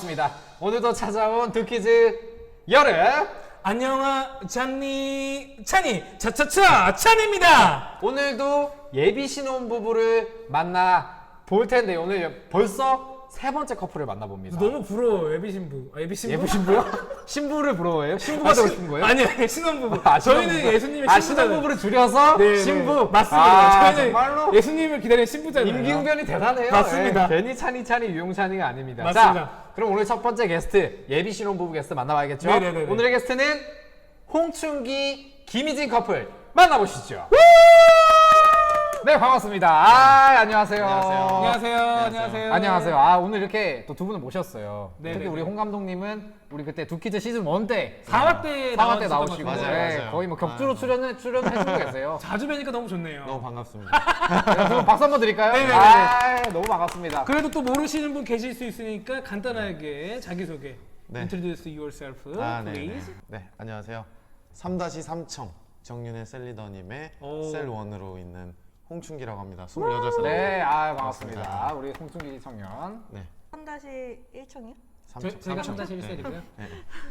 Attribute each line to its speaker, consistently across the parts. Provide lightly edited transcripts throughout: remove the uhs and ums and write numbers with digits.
Speaker 1: 반갑습니다. 오늘도 찾아온 두키즈 여름.
Speaker 2: 안녕하 찬니 차차차 찬입니다.
Speaker 1: 오늘도 예비 신혼부부를 만나 볼 텐데 오늘 벌써 세 번째 커플을 만나봅니다.
Speaker 2: 너무 부러워 예비 신부. 예비 신부?
Speaker 1: 예비 신부요? 신부를 부러워해요? 신부가 되고 싶은 거예요?
Speaker 2: 아니 신혼부부.
Speaker 1: 아,
Speaker 2: 저희는
Speaker 1: 신혼부부.
Speaker 2: 예수님의
Speaker 1: 아,
Speaker 2: 신부잖아요.
Speaker 1: 신혼부부를 줄여서
Speaker 2: 네,
Speaker 1: 신부.
Speaker 2: 네. 맞습니다.
Speaker 1: 아,
Speaker 2: 저희는
Speaker 1: 정말로?
Speaker 2: 예수님을 기다리는 신부잖아요.
Speaker 1: 임기응변이 대단해요.
Speaker 2: 맞습니다.
Speaker 1: 네, 괜히 찬이 유용찬이가 아닙니다.
Speaker 2: 맞습니다.
Speaker 1: 자, 그럼 오늘 첫 번째 게스트 예비 신혼부부 게스트 만나봐야겠죠?
Speaker 2: 네네네네.
Speaker 1: 오늘의 게스트는 홍춘기, 김희진 커플 만나보시죠. 네, 반갑습니다. 안녕하세요.
Speaker 2: 안녕하세요.
Speaker 1: 안녕하세요. 오늘 이렇게 또 두 분을 모셨어요.
Speaker 2: 네네네.
Speaker 1: 특히 우리 홍 감독님은 우리 그때 두키즈 시즌 1 때
Speaker 2: 4화 때
Speaker 1: 4화 때 나오시고
Speaker 3: 맞아요.
Speaker 1: 거의 뭐 격주로 출연해주고 계세요.
Speaker 2: 자주 뵈니까 너무 좋네요.
Speaker 3: 너무 반갑습니다.
Speaker 1: 여러분 박수 한번 드릴까요?
Speaker 2: 네네네.
Speaker 1: 너무 반갑습니다.
Speaker 2: 그래도 또 모르시는 분 계실 수 있으니까 간단하게 자기소개.
Speaker 3: 네.
Speaker 2: Introduce yourself,
Speaker 3: 네네.
Speaker 2: please.
Speaker 3: 네, 안녕하세요. 3-3청 정윤의 셀리더님의
Speaker 2: 오.
Speaker 3: 셀1으로 있는 홍춘기라고 합니다. 28살.
Speaker 1: 네, 반갑습니다. 우리 홍춘기 청년.
Speaker 3: 네.
Speaker 4: 3-1청이요?
Speaker 2: 저희가 3-1셀이고요.
Speaker 3: 네.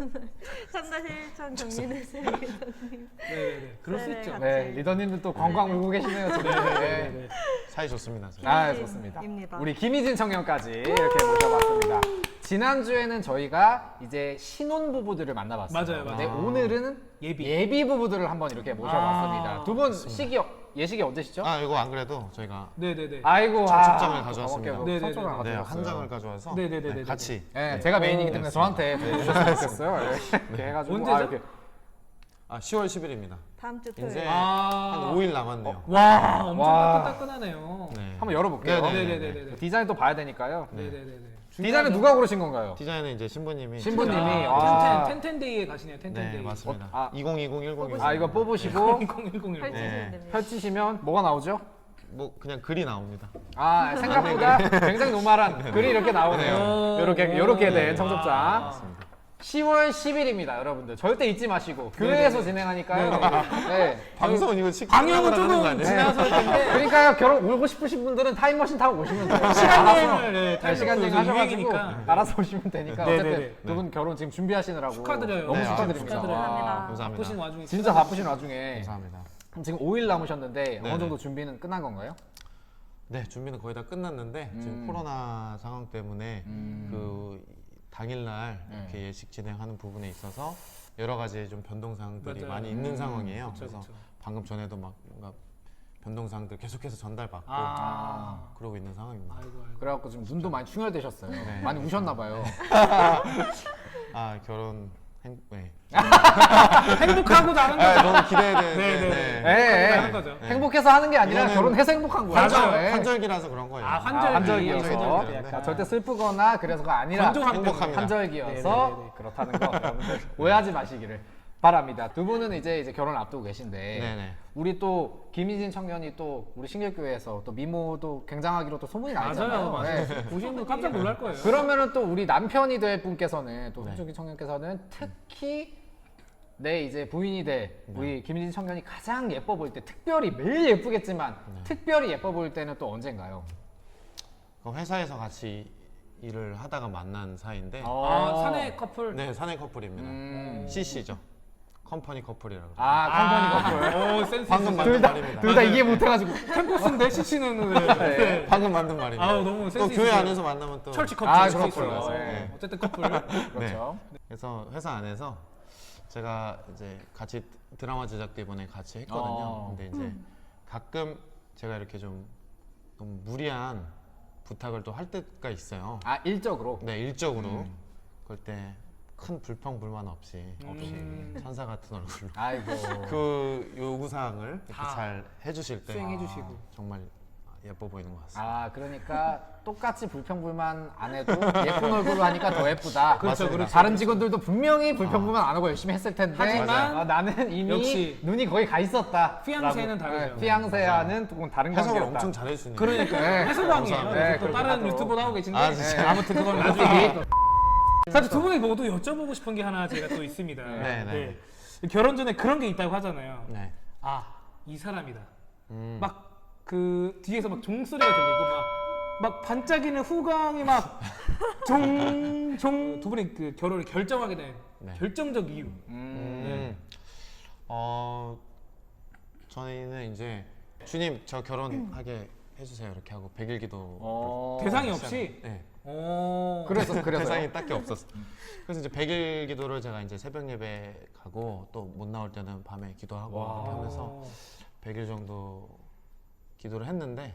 Speaker 4: 3-1청 정민의 셀이더님.
Speaker 2: 네네네. 그럴 수
Speaker 4: 네,
Speaker 2: 있죠.
Speaker 4: 같이.
Speaker 1: 네, 리더님도 또 관광 울고 계시네요. 지금.
Speaker 2: 네네네.
Speaker 3: 사이 좋습니다. 저희.
Speaker 1: 좋습니다.
Speaker 4: 입니다.
Speaker 1: 우리 김희진 청년까지 이렇게 모셔봤습니다. 지난주에는 저희가 이제 신혼부부들을 만나봤어요.
Speaker 2: 맞아요.
Speaker 1: 근데 오늘은
Speaker 2: 예비.
Speaker 1: 예비 부부들을 한번 이렇게 모셔봤습니다. 두 분 예식이 언제시죠?
Speaker 3: 이거 안 그래도 저희가
Speaker 2: 네네네.
Speaker 1: 아이고,
Speaker 3: 청첩장을 가져왔습니다.
Speaker 2: 네네네.
Speaker 1: 청첩장을
Speaker 3: 네,
Speaker 1: 가져왔어요.
Speaker 3: 한 장을 가져와서
Speaker 2: 네네네네.
Speaker 3: 같이
Speaker 1: 네, 제가 메인이기 때문에 저한테 주셨으면 좋겠어요. 이렇게 해가지고
Speaker 2: 언제죠?
Speaker 1: 이렇게.
Speaker 3: 10월 10일입니다.
Speaker 4: 다음 주 토요일.
Speaker 3: 이제
Speaker 2: 아.
Speaker 3: 한 5일 남았네요.
Speaker 2: 와, 엄청
Speaker 1: 와.
Speaker 2: 따끈따끈하네요.
Speaker 3: 네.
Speaker 1: 한번 열어볼게요.
Speaker 2: 네네네네.
Speaker 1: 디자인 또 봐야 되니까요.
Speaker 2: 네네네네.
Speaker 1: 디자인은 누가 고르신 건가요?
Speaker 3: 디자인은 이제 신부님이
Speaker 1: 신부님이.
Speaker 2: 아, 텐텐데이에 가시네요.
Speaker 3: 네,
Speaker 2: 텐텐데이.
Speaker 3: 맞습니다. 2020, 1010.
Speaker 1: 이거 뽑으시고
Speaker 2: 1010.
Speaker 4: 펼치시면
Speaker 3: 네.
Speaker 4: 됩니다.
Speaker 1: 펼치시면 뭐가 나오죠?
Speaker 3: 뭐 그냥 글이 나옵니다.
Speaker 1: 생각보다 굉장히 노멀한 글이 이렇게 나오네요. 요렇게 된 청첩장. 10월 10일입니다, 여러분들. 절대 잊지 마시고 교회에서 진행하니까요. 네.
Speaker 3: 방송은 이거
Speaker 2: 방영은
Speaker 3: 하는 거
Speaker 2: 조금
Speaker 3: 아니에요?
Speaker 2: 지나서 할 텐데
Speaker 1: 그러니까요, 결혼 오고 싶으신 분들은 타임머신 타고 오시면 돼요.
Speaker 2: 시간
Speaker 1: 알아서.
Speaker 2: 여행을
Speaker 1: 시간 여행
Speaker 2: 타임머신
Speaker 1: 하셔가지고
Speaker 2: 유행이니까.
Speaker 1: 알아서 오시면 되니까.
Speaker 2: 네네네.
Speaker 1: 어쨌든 두 분 결혼 지금 준비하시느라고
Speaker 2: 축하드려요.
Speaker 1: 너무
Speaker 3: 네,
Speaker 1: 축하드립니다.
Speaker 2: 축하드려요.
Speaker 1: 와,
Speaker 3: 감사합니다.
Speaker 2: 바쁘신 와중에
Speaker 1: 진짜 바쁘신 와중에
Speaker 3: 감사합니다.
Speaker 1: 그럼 지금 5일 남으셨는데 어느
Speaker 3: 네네.
Speaker 1: 정도 준비는 끝난 건가요?
Speaker 3: 네, 준비는 거의 다 끝났는데 지금 코로나 상황 때문에 그 당일날 이렇게 예식 진행하는 부분에 있어서 여러 가지 좀 변동사항들이
Speaker 2: 맞아요.
Speaker 3: 많이 있는 상황이에요.
Speaker 2: 그쵸,
Speaker 3: 그래서
Speaker 2: 그쵸.
Speaker 3: 방금 전에도 막 뭔가 변동사항들 계속해서 전달받고 그러고 있는 상황입니다.
Speaker 2: 아이고.
Speaker 1: 그래갖고 지금 눈도 많이 충혈되셨어요.
Speaker 3: 네.
Speaker 1: 많이 우셨나 봐요.
Speaker 3: 결혼 네.
Speaker 2: 행복하고 나는 거죠.
Speaker 3: 너무 기대되는.
Speaker 2: 네네. 하는 거죠.
Speaker 1: 행복해서 하는 게 아니라
Speaker 3: 이거는
Speaker 1: 결혼해서 행복한 거예요.
Speaker 2: 맞아요.
Speaker 1: 네.
Speaker 3: 환절기라서 그런 거예요.
Speaker 1: 환절기여서
Speaker 3: 환절기여서.
Speaker 1: 자, 절대 슬프거나 그래서가 아니라
Speaker 2: 건조함
Speaker 3: 행복합니다.
Speaker 1: 환절기여서
Speaker 2: 네네네네.
Speaker 1: 그렇다는 거 여러분들 오해하지 마시기를 바랍니다. 두 분은 이제 결혼 앞두고 계신데
Speaker 3: 네네.
Speaker 1: 우리 또 김희진 청년이 또 우리 신길교회에서 또 미모도 굉장하기로 또 소문이 나 있잖아요.
Speaker 2: 맞아요.
Speaker 1: 네.
Speaker 2: 보시는 분 깜짝 놀랄 거예요.
Speaker 1: 그러면은 또 우리 남편이 될 분께서는 또
Speaker 3: 네.
Speaker 1: 홍준기 청년께서는 특히 내 이제 부인이 될 우리 김희진 청년이 가장 예뻐 보일 때 특별히 매일 예쁘겠지만 특별히 예뻐 보일 때는 또 언젠가요?
Speaker 3: 그 회사에서 같이 일을 하다가 만난 사이인데
Speaker 2: 사내 커플.
Speaker 3: 네, 사내 커플입니다. CC죠. 컴퍼니 커플이라고.
Speaker 1: 컴퍼니 커플.
Speaker 2: 오, 센스
Speaker 3: 방금
Speaker 2: 있으시다.
Speaker 3: 만든 말입니다.
Speaker 1: 둘 다 이해 못해가지고
Speaker 2: 캠퍼스인데 CC는
Speaker 1: 네.
Speaker 3: 방금 만든 말입니다.
Speaker 2: 아우, 너무 센스
Speaker 3: 또 교회
Speaker 2: 있으세요.
Speaker 3: 안에서 만나면 또
Speaker 2: 철치 커플.
Speaker 1: 아,
Speaker 2: 철치
Speaker 1: 그렇죠.
Speaker 2: 커플.
Speaker 1: 네.
Speaker 2: 어쨌든 커플.
Speaker 1: 그렇죠.
Speaker 3: 그래서 회사 안에서 제가 이제 같이 드라마 제작도 이번에 같이 했거든요. 근데 이제 가끔 제가 이렇게 좀 너무 무리한 부탁을 또 할 때가 있어요.
Speaker 1: 일적으로.
Speaker 3: 네, 일적으로. 그럴 때 큰 불평 불만 없이 천사 같은 얼굴로
Speaker 1: 아이고.
Speaker 3: 그 요구 사항을 이렇게
Speaker 2: 다
Speaker 3: 잘 해주실 때
Speaker 2: 수행해주시고.
Speaker 3: 정말 예뻐 보이는 것 같습니다.
Speaker 1: 그러니까 똑같이 불평불만 안 해도 예쁜 얼굴로 하니까 더 예쁘다.
Speaker 2: 그렇죠, 그렇죠.
Speaker 1: 다른 직원들도 분명히 불평불만 안 하고 열심히 했을 텐데
Speaker 2: 하지만
Speaker 1: 나는 이미
Speaker 2: 역시
Speaker 1: 눈이 거의 가 있었다.
Speaker 2: 피앙세는 다르죠.
Speaker 1: 피앙세와는 조금 다른
Speaker 3: 해석을
Speaker 1: 관계였다.
Speaker 3: 엄청 잘해주시네요.
Speaker 2: 그러니까
Speaker 1: 네.
Speaker 2: 해소방이에요.
Speaker 1: 네,
Speaker 2: 또
Speaker 1: 그렇게
Speaker 2: 다른
Speaker 1: 하도록.
Speaker 2: 유튜버 나오고 계신데
Speaker 3: 아, 진짜요?
Speaker 2: 아무튼 그건 나중에. 사실 두 분이 모두 여쭤보고 싶은 게 하나 제가 또 있습니다.
Speaker 3: 네.
Speaker 2: 결혼 전에 그런 게 있다고 하잖아요.
Speaker 3: 네.
Speaker 2: 이 사람이다. 막 그 뒤에서 막 종소리가 들리고 막 막 반짝이는 후광이 막 종종 두 분이 그 결혼을 결정하게 된
Speaker 3: 네.
Speaker 2: 결정적 이유.
Speaker 3: 저희는 이제 주님 저 결혼하게 해주세요 이렇게 하고 100일 기도
Speaker 2: 대상이 없이.
Speaker 3: 네.
Speaker 1: 그래서요?
Speaker 3: 대상이 딱히 없었어. 그래서 이제 100일 기도를 제가 이제 새벽 예배 가고 또 못 나올 때는 밤에 기도하고 이렇게 하면서 100일 정도 기도를 했는데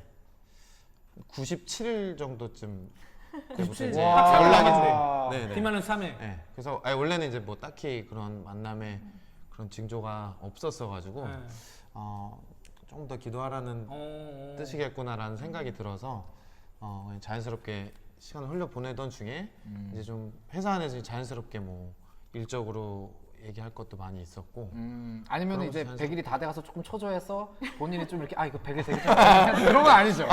Speaker 3: 97일 정도쯤
Speaker 2: 97일
Speaker 3: 이제
Speaker 2: 와.
Speaker 3: 연락이
Speaker 1: 와.
Speaker 3: 네, 네.
Speaker 2: 비만은 3회.
Speaker 3: 네. 그래서 원래는 이제 뭐 딱히 그런 만남에 그런 징조가 없었어가지고
Speaker 2: 네.
Speaker 3: 좀 더 기도하라는 뜻이겠구나라는 생각이 들어서 그냥 자연스럽게 시간을 흘려 보내던 중에 이제 좀 회사 안에서 자연스럽게 뭐 일적으로 얘기할 것도 많이 있었고
Speaker 1: 아니면
Speaker 3: 그런
Speaker 1: 이제
Speaker 3: 거
Speaker 1: 100일이 다 돼가서 조금 초조해서 본인이 좀 이렇게 이거 100일 되겠죠? 그런 건 아니죠.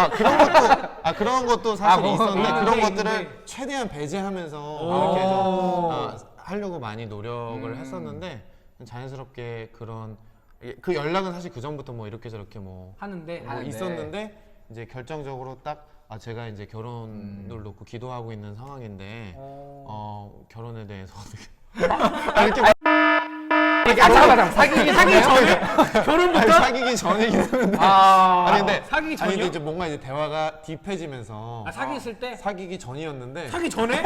Speaker 3: 그런 것도 사실
Speaker 1: 뭐,
Speaker 3: 있었는데
Speaker 2: 뭐,
Speaker 3: 그런
Speaker 2: 뭐,
Speaker 3: 것들을
Speaker 2: 뭐.
Speaker 3: 최대한 배제하면서 이렇게 좀 하려고 많이 노력을 했었는데 자연스럽게 그런 그 연락은 사실 그 전부터 뭐 이렇게 저렇게 뭐
Speaker 2: 하는데
Speaker 3: 있었는데 이제 결정적으로 딱 제가 이제 결혼을 놓고 기도하고 있는 상황인데 결혼에 대해서 어떻게
Speaker 1: 잠깐만 사귀기 전에?
Speaker 2: 결혼부터
Speaker 3: 사귀기 전이긴 한데
Speaker 1: 아,
Speaker 3: 근데
Speaker 2: 사귀기 전이요?
Speaker 3: 근데 이제 뭔가 이제 대화가 딥해지면서
Speaker 2: 사귀 있을 때
Speaker 3: 사귀기 전이었는데
Speaker 2: 사기 전에?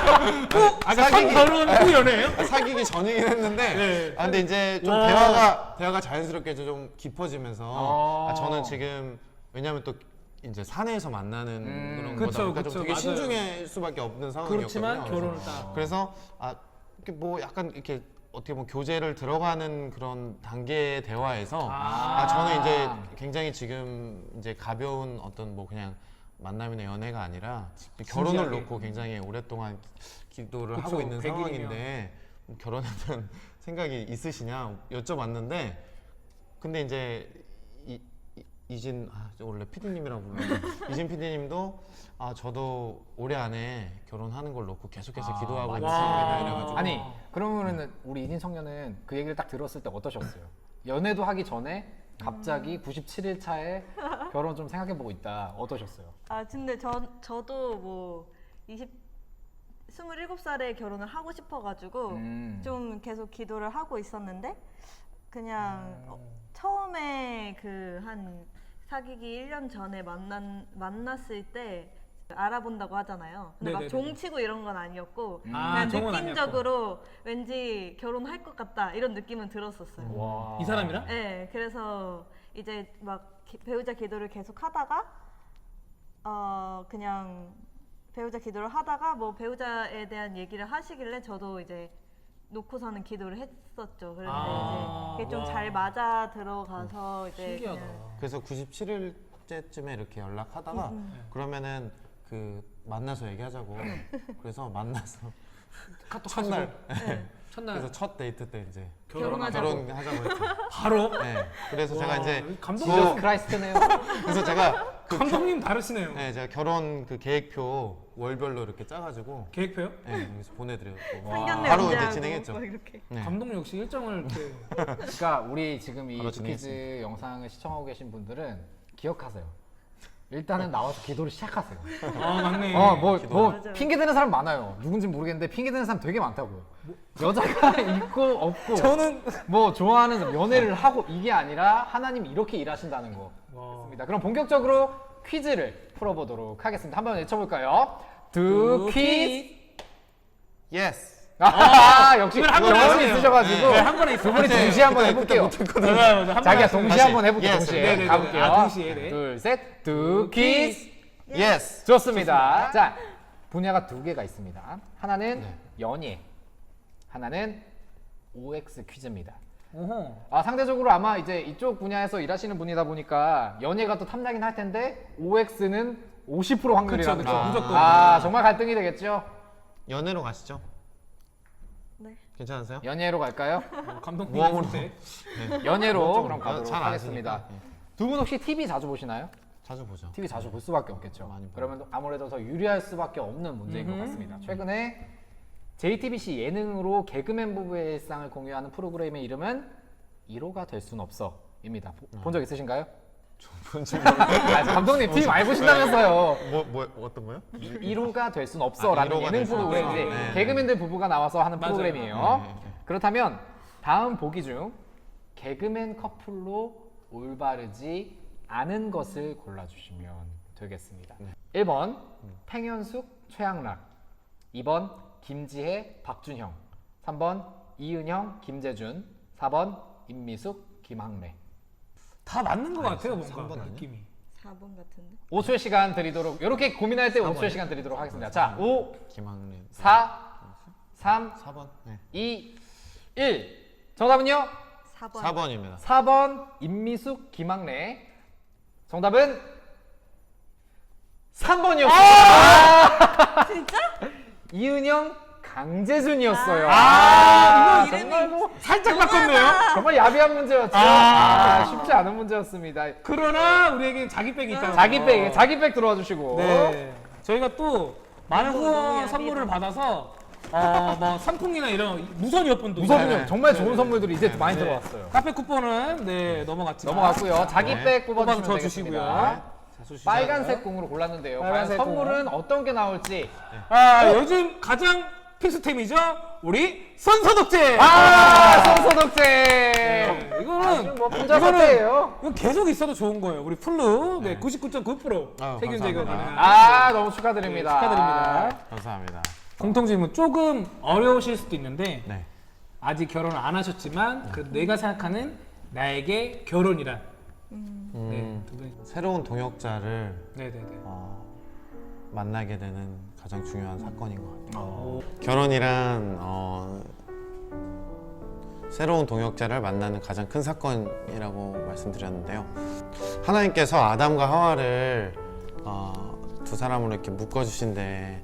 Speaker 2: 사기 결혼 후 연애예요?
Speaker 3: 사귀기 전이긴 했는데
Speaker 2: 네.
Speaker 3: 근데 이제 좀
Speaker 2: 와.
Speaker 3: 대화가 자연스럽게 좀 깊어지면서 저는 지금 왜냐면 또 이제 사내에서 만나는 그런
Speaker 2: 그쵸,
Speaker 3: 거다 보니까
Speaker 2: 그쵸,
Speaker 3: 좀 되게
Speaker 2: 맞아요.
Speaker 3: 신중할 수밖에 없는 상황이었거든요.
Speaker 2: 그렇지만 결혼을 딱.
Speaker 3: 그래서 이렇게 뭐 약간 이렇게 어떻게 보면 교제를 들어가는 그런 단계의 대화에서 저는 이제 굉장히 지금 이제 가벼운 어떤 뭐 그냥 만남이나 연애가 아니라 결혼을
Speaker 2: 진지하게.
Speaker 3: 놓고 굉장히 오랫동안 기도를
Speaker 2: 그쵸,
Speaker 3: 하고 있는
Speaker 2: 100일이면.
Speaker 3: 상황인데 결혼에 대한 생각이 있으시냐 여쭤봤는데 근데 이제 이진 원래 PD님이라고 부르는데 이진 PD님도 저도 올해 안에 결혼하는 걸 놓고 계속해서 기도하고 있는 상황이다 이래가지고
Speaker 1: 아니 그러면은 우리 이진 청년은 그 얘기를 딱 들었을 때 어떠셨어요? 연애도 하기 전에 갑자기 97일 차에 결혼 좀 생각해보고 있다. 어떠셨어요?
Speaker 4: 근데 저도 뭐 27살에 결혼을 하고 싶어가지고 좀 계속 기도를 하고 있었는데 그냥 처음에 그 한 사귀기 1년 전에 만났을 때 알아본다고 하잖아요. 근데 막
Speaker 2: 네네네.
Speaker 4: 종치고 이런 건 아니었고
Speaker 2: 종은
Speaker 4: 그냥 느낌적으로 왠지 결혼할 것 같다 이런 느낌은 들었었어요.
Speaker 1: 와.
Speaker 2: 이 사람이랑?
Speaker 4: 네, 그래서 이제 막 배우자 기도를 계속 하다가 그냥 배우자 기도를 하다가 뭐 배우자에 대한 얘기를 하시길래 저도 이제 놓고서는 기도를 했었죠. 그런데 이제 그게 좀 잘 맞아 들어가서 이제
Speaker 2: 신기하다.
Speaker 4: 그냥
Speaker 3: 그래서 97일째쯤에 이렇게 연락하다가 그러면은 그 만나서 얘기하자고 그래서 만나서
Speaker 2: 카톡
Speaker 3: 첫날
Speaker 2: 첫날
Speaker 3: 그래서 첫 데이트 때 이제
Speaker 4: 결혼하자고.
Speaker 3: 결혼하자고 했죠.
Speaker 2: 바로
Speaker 3: 네. 그래서 제가 이제
Speaker 2: 감독님
Speaker 1: 지저스 크라이스트네요.
Speaker 3: 그래서 제가
Speaker 2: 감독님 다르시네요.
Speaker 3: 네, 제가 결혼 그 계획표 월별로 이렇게 짜가지고
Speaker 2: 계획표요?
Speaker 3: 네, 여기서 보내드렸고
Speaker 4: 상견례
Speaker 3: 바로
Speaker 4: 언제
Speaker 3: 이제
Speaker 4: 하고
Speaker 3: 진행했죠.
Speaker 4: 막 이렇게.
Speaker 3: 네.
Speaker 2: 감독님 역시 일정을 이렇게
Speaker 1: 그러니까 우리 지금 이
Speaker 3: 바로
Speaker 1: 주키즈 영상을 시청하고 계신 분들은 기억하세요. 일단은 나와서 기도를 시작하세요.
Speaker 2: 맞네.
Speaker 1: 뭐
Speaker 4: 맞아요.
Speaker 1: 핑계 대는 사람 많아요. 누군지 모르겠는데 핑계 대는 사람 되게 많다고요. 여자가 있고 없고
Speaker 2: 저는
Speaker 1: 뭐 좋아하는 사람, 연애를 하고 이게 아니라 하나님이 이렇게 일하신다는 거. 맞습니다. 그럼 본격적으로 퀴즈를 풀어보도록 하겠습니다. 한번 외쳐볼까요? 두 퀴즈.
Speaker 3: 예스.
Speaker 1: 역시
Speaker 2: 이걸 한 번에
Speaker 1: 경험이
Speaker 2: 하시네요.
Speaker 1: 있으셔가지고
Speaker 2: 네, 한 번에
Speaker 1: 두 분이 동시에 한번 해볼게요. 자기야 동시에
Speaker 3: 다시.
Speaker 1: 한번 해볼게요.
Speaker 3: Yes.
Speaker 1: 동시에
Speaker 2: 네네네.
Speaker 1: 가볼게요.
Speaker 2: 동시에, 네.
Speaker 1: 둘, 셋, 두 퀴즈.
Speaker 3: 예스.
Speaker 1: 좋습니다. 자, 분야가 두 개가 있습니다. 하나는
Speaker 3: 네.
Speaker 1: 연예, 하나는 OX 퀴즈입니다.
Speaker 2: 어허.
Speaker 1: 상대적으로 아마 이제 이쪽 분야에서 일하시는 분이다 보니까 연예가 또 탐나긴 할 텐데 OX는 50% 확률이라는
Speaker 2: 그쵸,
Speaker 1: 거.
Speaker 2: 무조건.
Speaker 1: 정말 갈등이 되겠죠?
Speaker 3: 연애로 가시죠.
Speaker 4: 네.
Speaker 3: 괜찮으세요?
Speaker 1: 연예로 갈까요?
Speaker 2: 감독님
Speaker 3: 모험으로.
Speaker 2: 있을 때.
Speaker 1: 연예로 그럼 가도록
Speaker 3: 잘
Speaker 1: 하겠습니다.
Speaker 3: 아시니까. 네.
Speaker 1: 두 분 혹시 TV 자주 보시나요?
Speaker 3: 자주 보죠.
Speaker 1: TV 자주 볼 수밖에 없겠죠.
Speaker 3: 많이 봐요.
Speaker 1: 그러면 아무래도 더 유리할 수밖에 없는 문제인 것 같습니다. 최근에 JTBC 예능으로 개그맨 부부의 일상을 공유하는 프로그램의 이름은 1호가 될 순 없어입니다. 본 적 있으신가요? 아, 감독님 TV 많이 보신다면서요.
Speaker 3: 어떤 거요?
Speaker 1: 1호가 될 순 없어라는
Speaker 3: 1호가
Speaker 1: 예능
Speaker 3: 될 순
Speaker 1: 프로그램
Speaker 3: 없어.
Speaker 1: 이제
Speaker 3: 네.
Speaker 1: 개그맨들 부부가 나와서 하는
Speaker 2: 맞아요.
Speaker 1: 프로그램이에요.
Speaker 3: 네, 네.
Speaker 1: 그렇다면 다음 보기 중 개그맨 커플로 올바르지 않은 것을 골라주시면 되겠습니다. 1번 팽현숙, 최양락, 2번 김지혜, 박준형, 3번 이은영, 김재준, 4번 임미숙, 김학래.
Speaker 2: 다 맞는 것 같아요, 뭔가
Speaker 3: 3번 아니야?
Speaker 2: 느낌이.
Speaker 4: 4번 같은데.
Speaker 1: 5초의 시간 드리도록 이렇게 고민할 때 5초의 시간 드리도록 하겠습니다. 자, 5,
Speaker 3: 김학래
Speaker 1: 4, 3,
Speaker 3: 4번. 네.
Speaker 1: 2, 1. 정답은요?
Speaker 4: 4번.
Speaker 3: 4번입니다.
Speaker 1: 4번 임미숙, 김학래. 정답은 3번이었어요.
Speaker 4: 진짜?
Speaker 1: 이은영, 강재준이었어요.
Speaker 2: 이거
Speaker 1: 정말 뭐
Speaker 2: 살짝 바꿨네요.
Speaker 1: 정말 야비한 문제였죠. 쉽지 않은 문제였습니다.
Speaker 2: 그러나 우리에게 자기 백이 있다.
Speaker 1: 자기 백 들어와 주시고.
Speaker 2: 네. 저희가 또 많은
Speaker 4: 너무
Speaker 2: 후원
Speaker 4: 야비다.
Speaker 2: 선물을 받아서 뭐 상품이나 이런 무선 이어폰도
Speaker 1: 무서군요.
Speaker 2: 있어요.
Speaker 1: 정말 좋은 선물들이 이제 많이
Speaker 2: 네.
Speaker 1: 들어왔어요.
Speaker 2: 카페 쿠폰은 넘어갔지만
Speaker 1: 넘어갔고요. 자기
Speaker 3: 네.
Speaker 1: 백
Speaker 2: 뽑아서
Speaker 1: 뽑아주시면
Speaker 2: 줘 주시고요.
Speaker 1: 되겠습니다.
Speaker 2: 자,
Speaker 1: 빨간색 공으로 골랐는데요. 과연
Speaker 2: 빨간색
Speaker 1: 선물은 어떤 게 나올지.
Speaker 2: 요즘 가장 필수템이죠. 우리 손소독제.
Speaker 1: 손소독제.
Speaker 2: 네, 이거는
Speaker 1: 뭐 분자 사태예요.
Speaker 2: 이건 계속 있어도 좋은 거예요. 우리 플루 99.9% 세균 제거
Speaker 3: 감사합니다.
Speaker 2: 가능한.
Speaker 1: 너무 축하드립니다.
Speaker 2: 네, 축하드립니다.
Speaker 3: 감사합니다.
Speaker 2: 공통 질문 조금 어려우실 수도 있는데
Speaker 3: 네.
Speaker 2: 아직 결혼을 안 하셨지만 그 내가 생각하는 나에게 결혼이란. 네, 두 분.
Speaker 3: 새로운 동역자를
Speaker 2: 네네네.
Speaker 3: 만나게 되는 가장 중요한 사건인 것 같아요.
Speaker 2: 오.
Speaker 3: 결혼이란 새로운 동역자를 만나는 가장 큰 사건이라고 말씀드렸는데요. 하나님께서 아담과 하와를 두 사람으로 이렇게 묶어주신데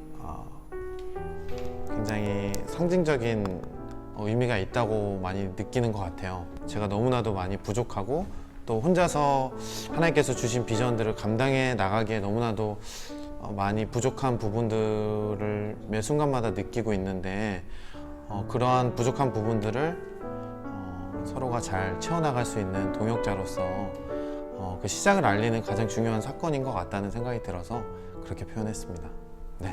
Speaker 3: 굉장히 상징적인 의미가 있다고 많이 느끼는 것 같아요. 제가 너무나도 많이 부족하고 또 혼자서 하나님께서 주신 비전들을 감당해 나가기에 너무나도 많이 부족한 부분들을 매 순간마다 느끼고 있는데 그러한 부족한 부분들을 서로가 잘 채워나갈 수 있는 동역자로서 그 시작을 알리는 가장 중요한 사건인 것 같다는 생각이 들어서 그렇게 표현했습니다. 네.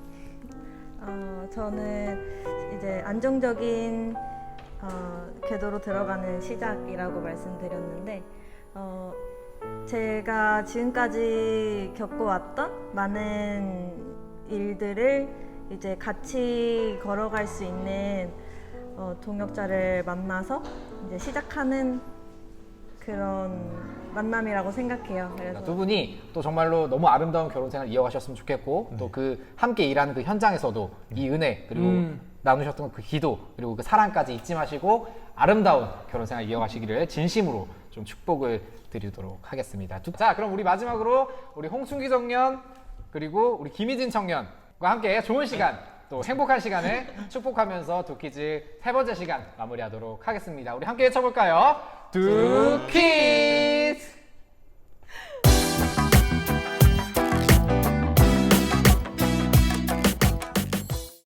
Speaker 4: 저는 이제 안정적인 궤도로 들어가는 시작이라고 말씀드렸는데 제가 지금까지 겪어왔던 많은 일들을 이제 같이 걸어갈 수 있는 동역자를 만나서 이제 시작하는 그런 만남이라고 생각해요. 그래서
Speaker 1: 두 분이 또 정말로 너무 아름다운 결혼 생활 이어가셨으면 좋겠고 또 그 함께 일하는 그 현장에서도 이 은혜 그리고 나누셨던 그 기도 그리고 그 사랑까지 잊지 마시고 아름다운 결혼 생활 이어가시기를 진심으로 좀 축복을 드리도록 하겠습니다. 자, 그럼 우리 마지막으로 우리 홍순기 청년 그리고 우리 김희진 청년과 함께 좋은 시간 또 행복한 시간을 축복하면서 두키즈 세 번째 시간 마무리하도록 하겠습니다. 우리 함께 외쳐볼까요? 두키즈